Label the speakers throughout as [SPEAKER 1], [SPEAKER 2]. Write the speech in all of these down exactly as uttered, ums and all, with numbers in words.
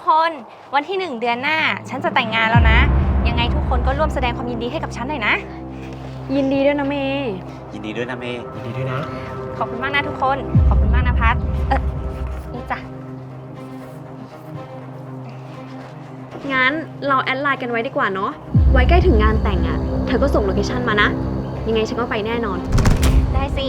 [SPEAKER 1] คนวันที่หนึ่งเดือนหน้าฉันจะแต่งงานแล้วนะยังไงทุกคนก็ร่วมแสดงความยินดีให้กับฉันหน่อยนะ
[SPEAKER 2] ยินดีด้วยนะเมย์
[SPEAKER 3] ยินดีด้วยนะเมย์ยินดีด้วยนะ
[SPEAKER 1] ขอบคุณมากนะทุกคนขอบคุณมากนะพัดเออนี่จ้ะ
[SPEAKER 2] งั้นเราแอดไลน์กันไว้ดีกว่าเนาะไว้ใกล้ถึงงานแต่งอะ่ะเธอก็ส่งโลเคชั่นมานะยังไงฉันก็ไปแน่นอน
[SPEAKER 1] ได้สิ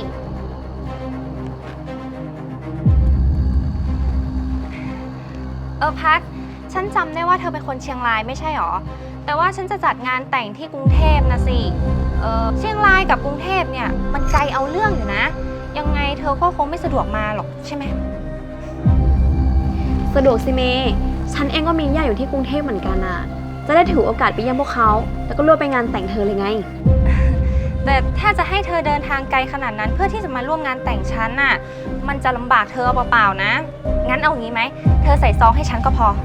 [SPEAKER 1] เออพัดฉันจำได้ว่าเธอเป็นคนเชียงรายไม่ใช่หรอแต่ว่าฉันจะจัดงานแต่งที่กรุงเทพนะสิเออเชียงรายกับกรุงเทพเนี่ยมันไกลเอาเรื่องอยู่นะยังไงเธอก็คงไม่สะดวกมาหรอกใช่ไหม
[SPEAKER 2] สะดวกสิเมย์ฉันเองก็มีญาติอยู่ที่กรุงเทพเหมือนกันอะจะได้ถือโอกาสไปเยี่ยมพวกเขาแล้วก็ร่วมไปงานแต่งเธอเลยไง
[SPEAKER 1] แต่ถ้าจะให้เธอเดินทางไกลขนาดนั้นเพื่อที่จะมาร่วมงานแต่งฉันน่ะมันจะลำบากเธอเปล่าๆนะงั้นเอางี้ไหมเธอใส่ซองให้ฉันก็พอ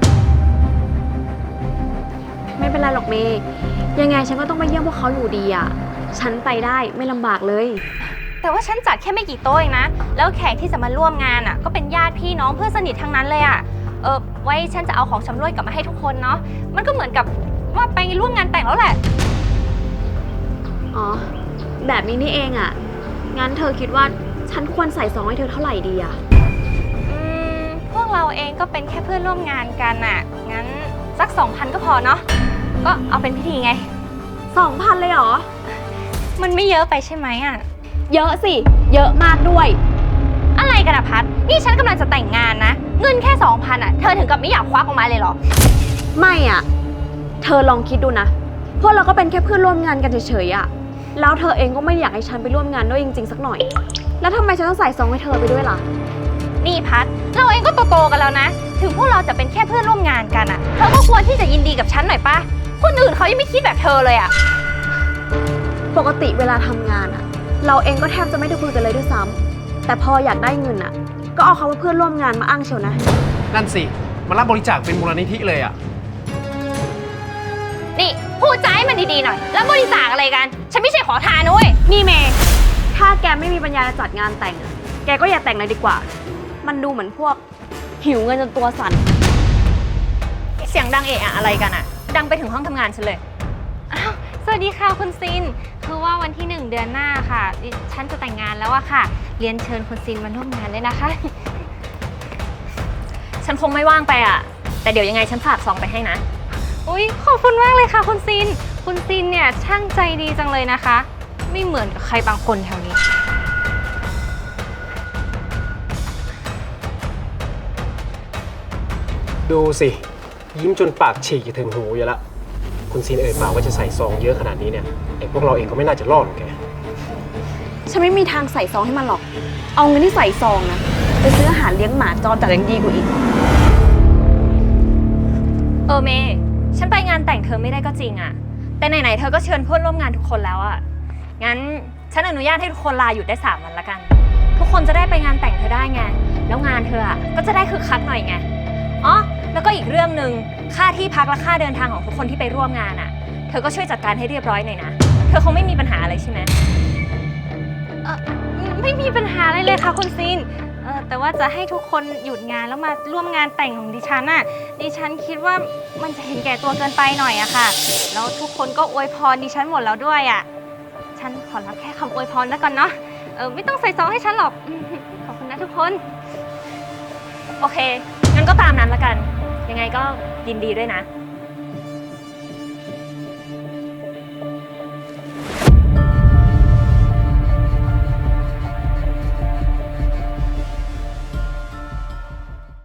[SPEAKER 2] ไม่เป็นไรหรอกเมย์ยังไงฉันก็ต้องไปเยี่ยมพวกเขาอยู่ดีอะฉันไปได้ไม่ลำบากเลย
[SPEAKER 1] แต่ว่าฉันจัดแค่ไม่กี่โต๊ะเองนะแล้วแขกที่จะมาร่วมงานอ่ะก็เป็นญาติพี่น้องเพื่อนสนิททั้งนั้นเลยอ่ะเออไว้ฉันจะเอาของชำร่วยกลับมาให้ทุกคนเนาะมันก็เหมือนกับว่าไปร่วมงานแต่งแล้วแหละ
[SPEAKER 2] อ๋อแบบนี้นี่เองอะงั้นเธอคิดว่าฉันควรใส่ซองให้เธอเท่าไหร่ดีอะ
[SPEAKER 1] อืมพวกเราเองก็เป็นแค่เพื่อนร่วมงานกันอ่ะงั้นสักสองพันก็พอเนาะก็เอาเป็นพิธีไง
[SPEAKER 2] สองพันเลยเหรอ
[SPEAKER 1] มันไม่เยอะไปใช่ไหมอ่ะ
[SPEAKER 2] เยอะสิเยอะมากด้วย
[SPEAKER 1] อะไรกันอะพัดนี่ฉันกำลังจะแต่งงานนะเงินแค่สองพันอ่ะเธอถึงกับไม่อยากควักออกมาเลยเหรอ
[SPEAKER 2] ไม่อ่ะเธอลองคิดดูนะพวกเราก็เป็นแค่เพื่อนร่วมงานกันเฉยๆอ่ะแล้วเธอเองก็ไม่อยากให้ฉันไปร่วมงานด้วยจริงๆสักหน่อยแล้วทำไมฉันต้องใส่ซองให้เธอไปด้วยล่ะ
[SPEAKER 1] นี่พัดเราเองก็โตๆกันแล้วนะถึงพวกเราจะเป็นแค่เพื่อนร่วมงานกันอ่ะเธอก็ควรที่จะยินดีกับฉันหน่อยปะคนอื่นเขายังไม่คิดแบบเธอเลยอ่ะ
[SPEAKER 2] ปกติเวลาทำงานอ่ะเราเองก็แทบจะไม่ได้คุยกันเลยด้วยซ้ำแต่พออยากได้เงินอ่ะก็เอาคำว่าเพื่อนร่วมงานมาอ้างเชียวนะ
[SPEAKER 3] นั่นสิมารับบริจาคเป็นมูลนิธิเลยอ่ะ
[SPEAKER 1] นี่พูดใจให้มันดีๆหน่อยแล้วบริจาคอะไรกันฉันไม่ใช่ขอทานนุ้ย
[SPEAKER 2] นี่เมย์ถ้าแกไม่มีปัญญาจะจัดงานแต่งอ่ะแกก็อย่าแต่งเลยดีกว่ามันดูเหมือนพวกหิวเงินจนตัวสั่น
[SPEAKER 1] เสียงดังเอะอะอะไรกันอ่ะดังไปถึงห้องทำงานฉันเลยอ้าวสวัสดีค่ะคุณซินคือว่าวันที่หนึ่งเดือนหน้าค่ะฉันจะแต่งงานแล้วอะค่ะเรียนเชิญคุณซินมาร่วมงานเลยนะคะ
[SPEAKER 4] ฉันคงไม่ว่างไปอะแต่เดี๋ยวยังไงฉันฝากซองไปให้นะ
[SPEAKER 1] อุ๊ยขอบคุณมากเลยค่ะคุณซินคุณซินเนี่ยช่างใจดีจังเลยนะคะไม่เหมือนกับใครบางคนแถวนี้
[SPEAKER 3] ดูสิยิ้มจนปากฉีกจะถึงหูอยู่ละคุณซีนเอ่ยปากว่าจะใส่ซองเยอะขนาดนี้เนี่ยไอ้พวกเราเองก็ไม่น่าจะรอดหรอกแก
[SPEAKER 2] ฉันไม่มีทางใส่ซองให้มันหรอกเอาเงินที่ใส่ซองนะไปซื้ออาหารเลี้ยงหมาจรจัดยังดีกว่าอีก
[SPEAKER 4] เออเมย์ฉันไปงานแต่งเธอไม่ได้ก็จริงอะแต่ไหนๆเธอก็เชิญเพื่อนร่วมงานทุกคนแล้วอะงั้นฉันอนุญาตให้ทุกคนลาหยุดได้สามวันละกันทุกคนจะได้ไปงานแต่งเธอได้ไงแล้วงานเธออะก็จะได้คึกคักหน่อยไงอ๋อแล้วก็อีกเรื่องหนึ่งค่าที่พักและค่าเดินทางของทุกคนที่ไปร่วมงานอะเธอก็ช่วยจัดการให้เรียบร้อยหน่อยนะเธอคงไม่มีปัญหาอะไรใช่ไหม
[SPEAKER 1] เออไม่มีปัญหาอะไรเลยค่ะคุณซินเออแต่ว่าจะให้ทุกคนหยุดงานแล้วมาร่วมงานแต่งของดิฉันน่ะดิฉันคิดว่ามันจะเห็นแก่ตัวเกินไปหน่อยอะค่ะแล้วทุกคนก็อวยพรดิฉันหมดแล้วด้วยอะฉันขอรับแค่คำอวยพรแล้วกันเนาะเออไม่ต้องใส่ซองให้ฉันหรอกขอบคุณนะทุกคน
[SPEAKER 4] โอเคงั้นก็ตามนั้นละกันยังไงก็ยินดีด้วยนะ